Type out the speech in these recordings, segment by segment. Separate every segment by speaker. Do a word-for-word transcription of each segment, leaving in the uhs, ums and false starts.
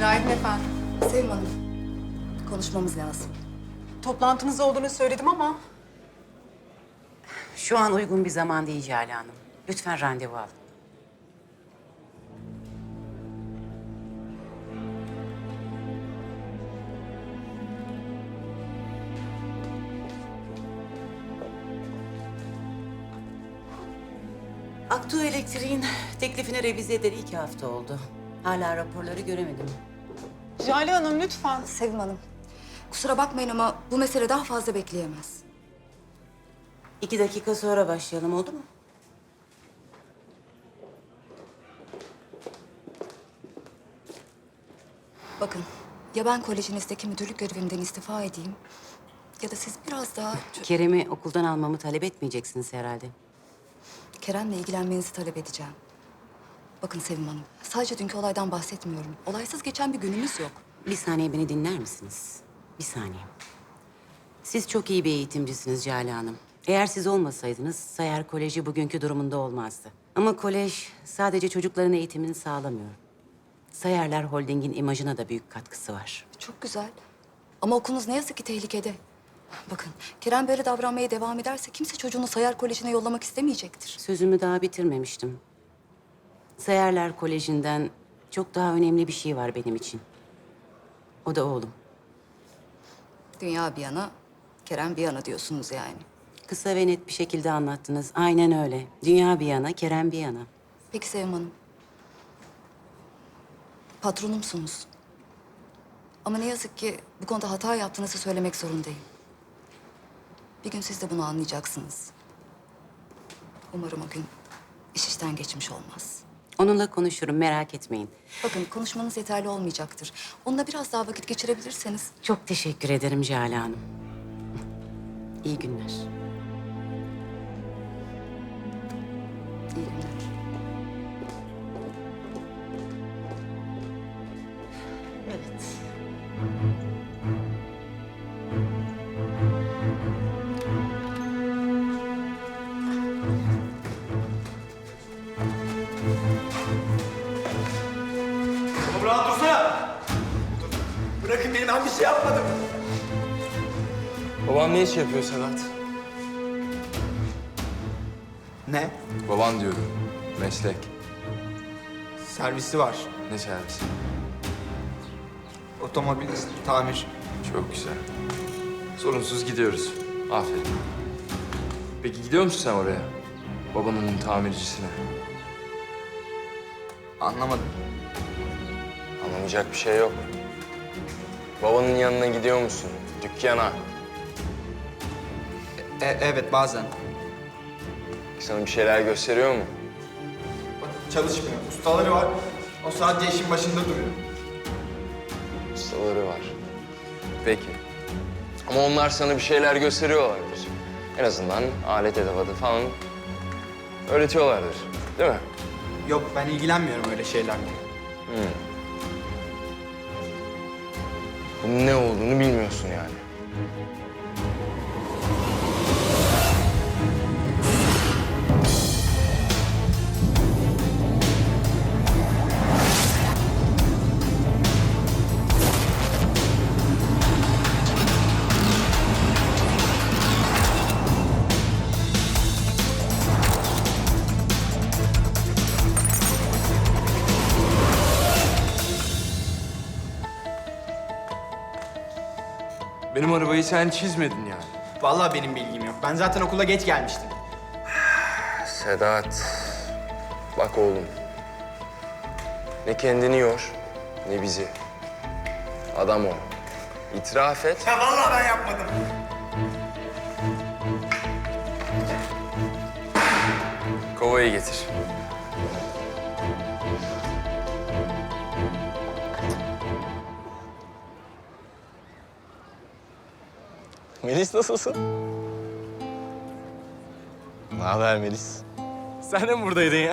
Speaker 1: Günaydın efendim.
Speaker 2: Sevim Hanım, konuşmamız lazım.
Speaker 1: Toplantınız olduğunu söyledim ama...
Speaker 3: Şu an uygun bir zaman değil Jale Hanım. Lütfen randevu alın. Aktu Elektriğin teklifini revize edeli iki hafta oldu. Hala raporları göremedim.
Speaker 1: Jale Hanım lütfen.
Speaker 2: Sevim Hanım, kusura bakmayın ama bu mesele daha fazla bekleyemez.
Speaker 3: İki dakika sonra başlayalım, oldu mu?
Speaker 2: Bakın, ya ben kolejinizdeki müdürlük görevimden istifa edeyim... ...ya da siz biraz daha...
Speaker 3: Kerem'i okuldan almamı talep etmeyeceksiniz herhalde.
Speaker 2: Kerem'le ilgilenmenizi talep edeceğim. Bakın Sevim Hanım, sadece dünkü olaydan bahsetmiyorum. Olaysız geçen bir günümüz yok.
Speaker 3: Bir saniye beni dinler misiniz? Bir saniye. Siz çok iyi bir eğitimcisiniz Jale Hanım. Eğer siz olmasaydınız Sayar Koleji bugünkü durumunda olmazdı. Ama kolej sadece çocukların eğitimini sağlamıyor. Sayarlar Holding'in imajına da büyük katkısı var.
Speaker 2: Çok güzel. Ama okulunuz ne yazık ki tehlikede. Bakın, Kerem böyle davranmaya devam ederse... ...kimse çocuğunu Sayar Koleji'ne yollamak istemeyecektir.
Speaker 3: Sözümü daha bitirmemiştim. Sayarlar Koleji'nden çok daha önemli bir şey var benim için. O da oğlum.
Speaker 2: Dünya bir yana, Kerem bir yana diyorsunuz yani.
Speaker 3: Kısa ve net bir şekilde anlattınız. Aynen öyle. Dünya bir yana, Kerem bir yana.
Speaker 2: Peki Sevim Hanım. Patronumsunuz. Ama ne yazık ki bu konuda hata yaptığınızı söylemek zorundayım. Bir gün siz de bunu anlayacaksınız. Umarım o gün iş işten geçmiş olmaz.
Speaker 3: Onunla konuşurum, merak etmeyin.
Speaker 2: Bakın konuşmanız yeterli olmayacaktır. Onunla biraz daha vakit geçirebilirseniz.
Speaker 3: Çok teşekkür ederim Jale Hanım. İyi günler.
Speaker 2: İyi günler.
Speaker 3: Evet.
Speaker 4: Oğlum rahat dursana. Bırakın beni, ben bir şey yapmadım.
Speaker 5: Baban ne iş yapıyor Sedat?
Speaker 4: Ne?
Speaker 5: Baban diyorum. Meslek.
Speaker 4: Servisi var.
Speaker 5: Ne servisi?
Speaker 4: Otomobil tamir.
Speaker 5: Çok güzel. Sorunsuz gidiyoruz. Aferin. Peki gidiyor musun sen oraya? Babanın tamircisine.
Speaker 4: Anlamadım.
Speaker 5: Anlamayacak bir şey yok. Babanın yanına gidiyor musun? Dükkana.
Speaker 4: E, evet bazen.
Speaker 5: Sana bir şeyler gösteriyor mu?
Speaker 4: Çalışmıyor. Ustaları var. O sadece işin başında duruyor.
Speaker 5: Ustaları var. Peki. Ama onlar sana bir şeyler gösteriyorlardır. En azından alet edevatı falan öğretiyorlardır. Değil mi?
Speaker 4: Yok, ben ilgilenmiyorum öyle şeylerle.
Speaker 5: Bunun ne olduğunu bilmiyorsun yani. Benim arabayı sen çizmedin yani.
Speaker 4: Vallahi benim bilgim yok. Ben zaten okula geç gelmiştim.
Speaker 5: Sedat, bak oğlum. Ne kendini yor, ne bizi. Adam ol. İtiraf et.
Speaker 4: Ya vallahi ben yapmadım.
Speaker 5: Kovayı getir. Melis nasılsın? Ne haber Melis? Sen de mi buradaydın ya?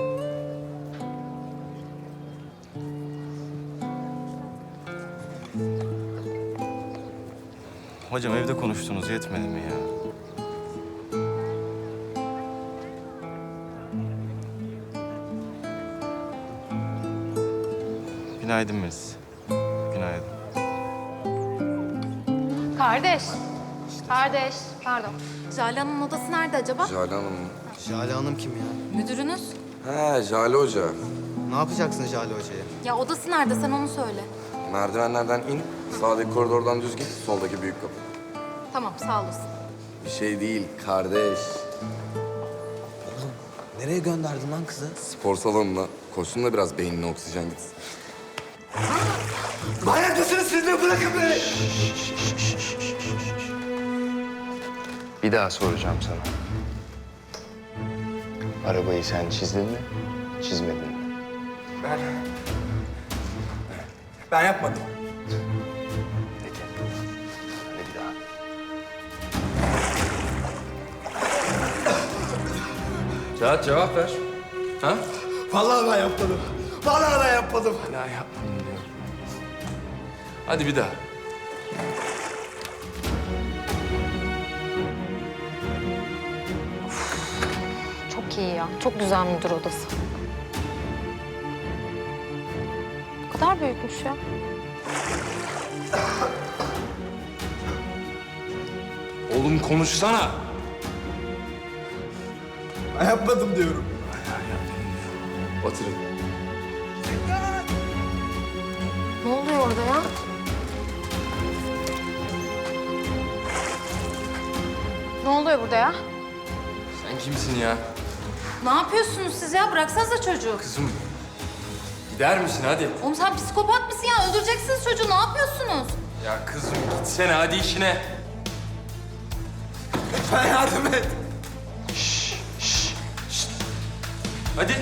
Speaker 6: Hocam evde konuştunuz yetmedi mi ya? Günaydın Melis.
Speaker 7: Kardeş. Kardeş. Pardon. Jale Hanım'ın odası nerede acaba?
Speaker 8: Jale Hanım mı?
Speaker 9: Jale Hanım kim ya?
Speaker 7: Müdürünüz.
Speaker 8: He, Jale Hoca.
Speaker 9: Ne yapacaksın Jale Hoca'ya?
Speaker 7: Ya odası nerede? Sen onu söyle.
Speaker 8: Merdivenlerden in, sağdaki koridordan düz git, soldaki büyük kapı.
Speaker 7: Tamam, sağ olasın.
Speaker 8: Bir şey değil, kardeş.
Speaker 9: Nereye gönderdin lan kızı?
Speaker 8: Spor salonuna. Koşsun da biraz beynine oksijen gitsin.
Speaker 4: Manyak mısınız siz de? Bırakın beni.
Speaker 5: Bir daha soracağım sana. Arabayı sen çizdin mi, çizmedin mi?
Speaker 4: Ben... Ben yapmadım.
Speaker 5: Peki. Hadi bir daha.
Speaker 8: Cevat cevap ver. Ha?
Speaker 4: Vallahi ben yapmadım. Vallahi ben yapmadım.
Speaker 5: Hala yapmayın diyor.
Speaker 8: Hadi bir daha.
Speaker 7: Çok iyi ya. Çok güzel müdür odası. Bu kadar büyükmüş ya.
Speaker 8: Oğlum konuşsana.
Speaker 4: Ben yapmadım diyorum.
Speaker 8: Batırın.
Speaker 7: Ne oluyor orada ya? Ne oluyor burada ya?
Speaker 8: Sen kimsin ya?
Speaker 7: Ne yapıyorsunuz siz ya? Bıraksanıza çocuğu.
Speaker 8: Kızım. Gider misin hadi?
Speaker 7: Oğlum sen psikopat mısın ya? Öldüreceksiniz çocuğu. Ne yapıyorsunuz?
Speaker 8: Ya kızım gitsene hadi işine.
Speaker 4: Lütfen yardım et.
Speaker 8: Hadi.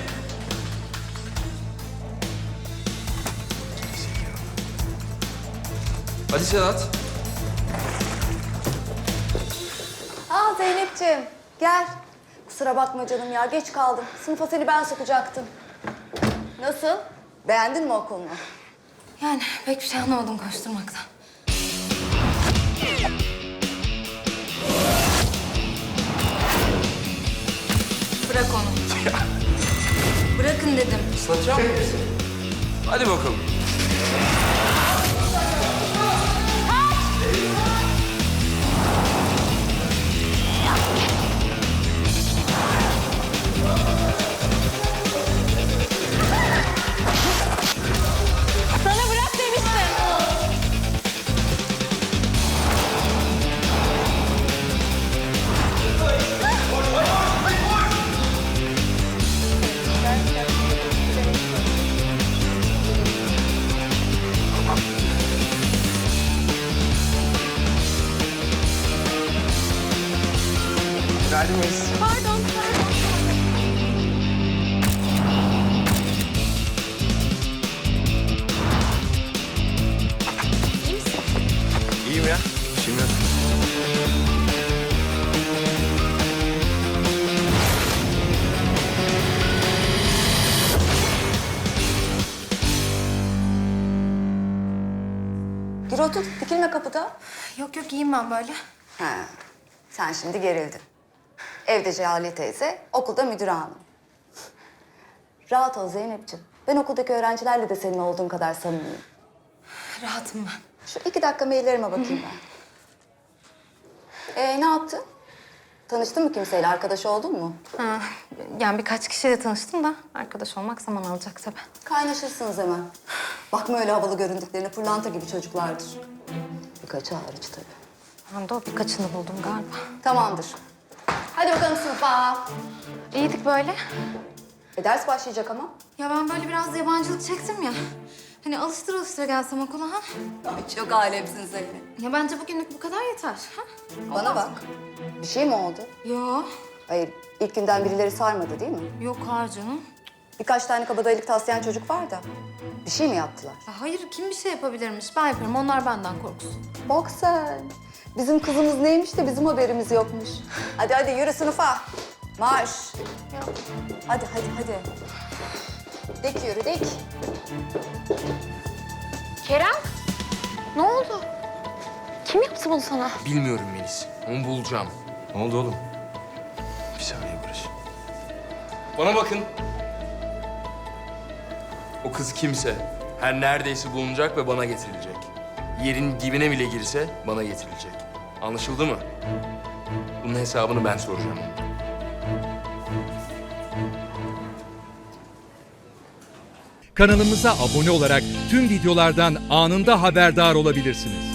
Speaker 8: Hadi Sedat.
Speaker 2: Aa Zeynep'ciğim gel. Kusura bakma canım ya geç kaldım. Sınıfa seni ben sokacaktım. Nasıl? Beğendin mi okulunu?
Speaker 7: Yani pek bir şey anlamadım koşturmaktan. Bırak onu. Bırakın dedim.
Speaker 8: Islatacak mısın? Hadi bakalım.
Speaker 7: Sana bırak demiştim.
Speaker 5: Geldiniz.
Speaker 7: Pardon, pardon.
Speaker 5: İyiyim ya. İşim yok.
Speaker 2: Gir otur dikilme kapıda.
Speaker 7: Yok yok iyiyim ben böyle.
Speaker 2: Ha, sen şimdi gerildin. Evde Cehale teyze, okulda müdür hanım. Rahat ol Zeynep'ciğim. Ben okuldaki öğrencilerle de senin olduğun kadar samimiyim.
Speaker 7: Rahatım ben.
Speaker 2: Şu iki dakika maillerime bakayım ben. Ee, ne yaptın? Tanıştın mı kimseyle? Arkadaş oldun mu?
Speaker 7: Ha, yani birkaç kişiyle tanıştım da arkadaş olmak zaman alacak tabii.
Speaker 2: Kaynaşırsınız hemen. Bakma öyle havalı göründüklerine, pırlanta gibi çocuklardır. Birkaçı hariç tabii.
Speaker 7: Ben de o birkaçını buldum galiba.
Speaker 2: Tamamdır. Hadi bakalım sınıfa.
Speaker 7: İyiydik böyle.
Speaker 2: E, ders başlayacak ama.
Speaker 7: Ya ben böyle biraz yabancılık çektim ya. Hani alıştır alıştır gelsem okula ha.
Speaker 2: Ay, çok alemsin Zeynep.
Speaker 7: Ya bence bugünlük bu kadar yeter. Ha?
Speaker 2: Bana bak. Bir şey mi oldu?
Speaker 7: Yo,
Speaker 2: Hayır, ilk günden birileri sarmadı değil mi?
Speaker 7: yok hayır canım.
Speaker 2: Birkaç tane kabadayılık taslayan çocuk var da. Bir şey mi yaptılar?
Speaker 7: Ya hayır, kim bir şey yapabilirmiş? Ben yaparım, onlar benden korksun.
Speaker 2: Bak sen. Bizim kızımız neymiş de bizim haberimiz yokmuş. Hadi hadi yürü sınıfa. Marş. Hadi hadi hadi. Dik yürü dik.
Speaker 7: Kerem, ne oldu? Kim yaptı bunu sana?
Speaker 8: Bilmiyorum Melis. Onu bulacağım. Ne oldu oğlum? Bir saniye Barış. Bana bakın. O kız kimse her neredeyse bulunacak ve bana getirilecek. yerin dibine bile girse bana getirilecek. Anlaşıldı mı? Bunun hesabını ben soracağım.
Speaker 10: Kanalımıza abone olarak tüm videolardan anında haberdar olabilirsiniz.